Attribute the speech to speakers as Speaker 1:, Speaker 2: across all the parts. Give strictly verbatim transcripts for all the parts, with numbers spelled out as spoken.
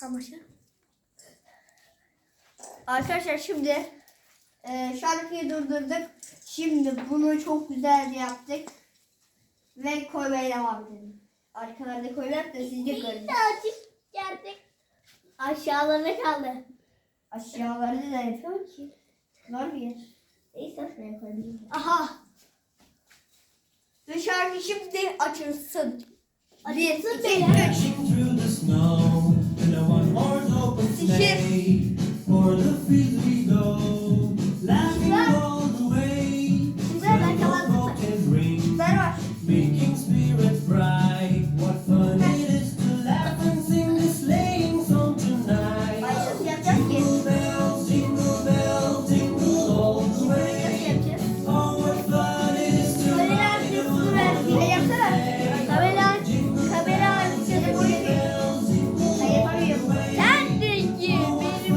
Speaker 1: Amaçlı. Arkadaşlar şimdi e, şarkıyı durdurduk. Şimdi bunu çok güzel yaptık. Ve koymaya devam edelim. Arkalarda koymak da siz de görün.
Speaker 2: Geldik. Aşağılarına kaldı.
Speaker 1: Aşağılarda da yapıyorum ki. Var bir yer. Neyse şuraya koyayım.
Speaker 2: Aha.
Speaker 1: Ve şarkı şimdi açılsın. Bir,
Speaker 2: Açılsın
Speaker 1: iki,
Speaker 2: beyler.
Speaker 1: üç.
Speaker 3: Through the snow, and no one more open sleigh. For the field we go, laughing all the way.
Speaker 2: ben kapattım.
Speaker 3: Broken ring,
Speaker 1: Ben var.
Speaker 3: making spirits bright. What fun it is to laugh and sing this sleighing song tonight.
Speaker 1: Başlasın yapacağız ki.
Speaker 3: Jingle bells, jingle bells, jingle all the
Speaker 1: Nasıl
Speaker 3: way.
Speaker 1: yapacağız?
Speaker 3: Oh, what fun it is to
Speaker 2: Böyle
Speaker 3: ride
Speaker 2: yapacağız,
Speaker 3: on
Speaker 2: bunu
Speaker 3: a
Speaker 2: ver, bir de
Speaker 3: open
Speaker 2: yapsana.
Speaker 3: sleigh.
Speaker 2: Kamera, kamera
Speaker 3: Jingle
Speaker 2: açsana.
Speaker 3: bells, jingle
Speaker 1: Ben yapamıyorum.
Speaker 2: Sen de ki benim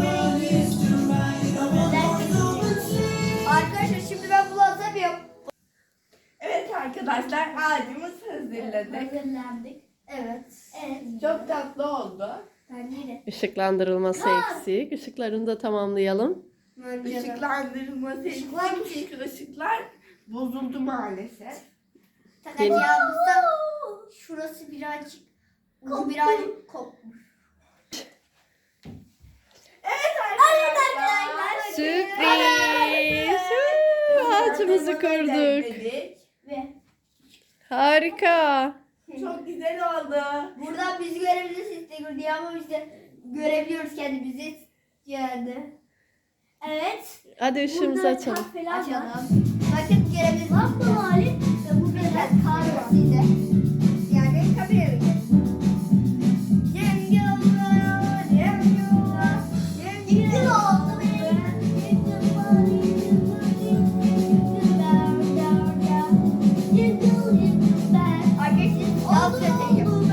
Speaker 1: Arkadaşlar şimdi ben bunu atamıyorum.
Speaker 4: Evet arkadaşlar ağacımızı hazırladık.
Speaker 2: hazırlandık.
Speaker 1: Evet.
Speaker 2: Evet.
Speaker 4: Çok tatlı oldu.
Speaker 2: Bence de.
Speaker 5: Işıklandırılması eksik. Işıklarını da tamamlayalım.
Speaker 4: Işıklandırılması için çünkü ışıklar bozuldu maalesef.
Speaker 1: Takacağımızda şurası birazcık ucu birazcık kopmuş.
Speaker 4: Evet
Speaker 2: Evet
Speaker 4: arkadaşlar.
Speaker 2: arkadaşlar.
Speaker 5: Sürpriz! Ağacımızı kurduk.
Speaker 4: Dedik.
Speaker 2: Ve
Speaker 5: Harika.
Speaker 4: Çok güzel oldu.
Speaker 1: Buradan bizi görebilirsiniz Instagram diye ama biz de görebiliyoruz kendimizi. Yani.
Speaker 2: evet.
Speaker 5: Hadi ışığımızı
Speaker 2: Burada
Speaker 5: açalım.
Speaker 2: kart falan var.
Speaker 1: Açalım. Bakın görebilirsiniz.
Speaker 2: Bak bu hali. Ve bu
Speaker 1: Biraz
Speaker 2: biraz
Speaker 1: kar var size. Yani kameraya gelin. Yengyola, yengyola, yengyola. Arkadaşlar dans edeceğim.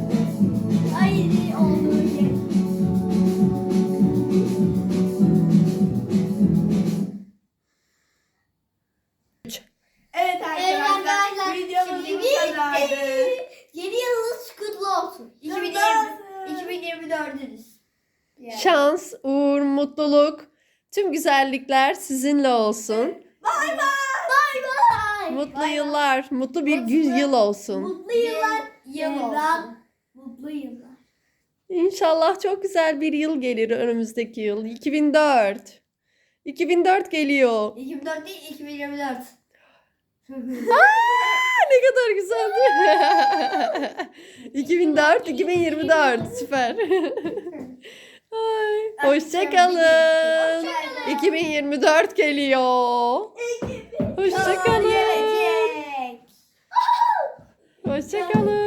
Speaker 4: Evet arkadaşlar.
Speaker 2: arkadaşlar,
Speaker 4: Videomuz
Speaker 2: şimdi
Speaker 4: bu kadardı.
Speaker 2: Yeni yılınız kutlu olsun.
Speaker 1: iki bin yirmi, iki bin yirmi dördünüz. Yani.
Speaker 5: Şans, uğur, mutluluk, tüm güzellikler sizinle olsun.
Speaker 2: Bay bay.
Speaker 5: Mutlu yıllar, mutlu bir gün yıl olsun.
Speaker 2: Mutlu yıllar.
Speaker 1: Yıl olsun.
Speaker 2: Devran. Mutlu yıllar.
Speaker 5: İnşallah çok güzel bir yıl gelir önümüzdeki yıl. iki bin dört. iki bin dört geliyor.
Speaker 1: iki bin dört değil, iki bin yirmi dört.
Speaker 5: Ne kadar güzeldi. iki bin dört, iki bin yirmi dört. Süper. Ay, hoşça kalın. iki bin yirmi dört geliyor. Hoşça kalın.
Speaker 1: Gelecek.
Speaker 5: Hoşça kalın.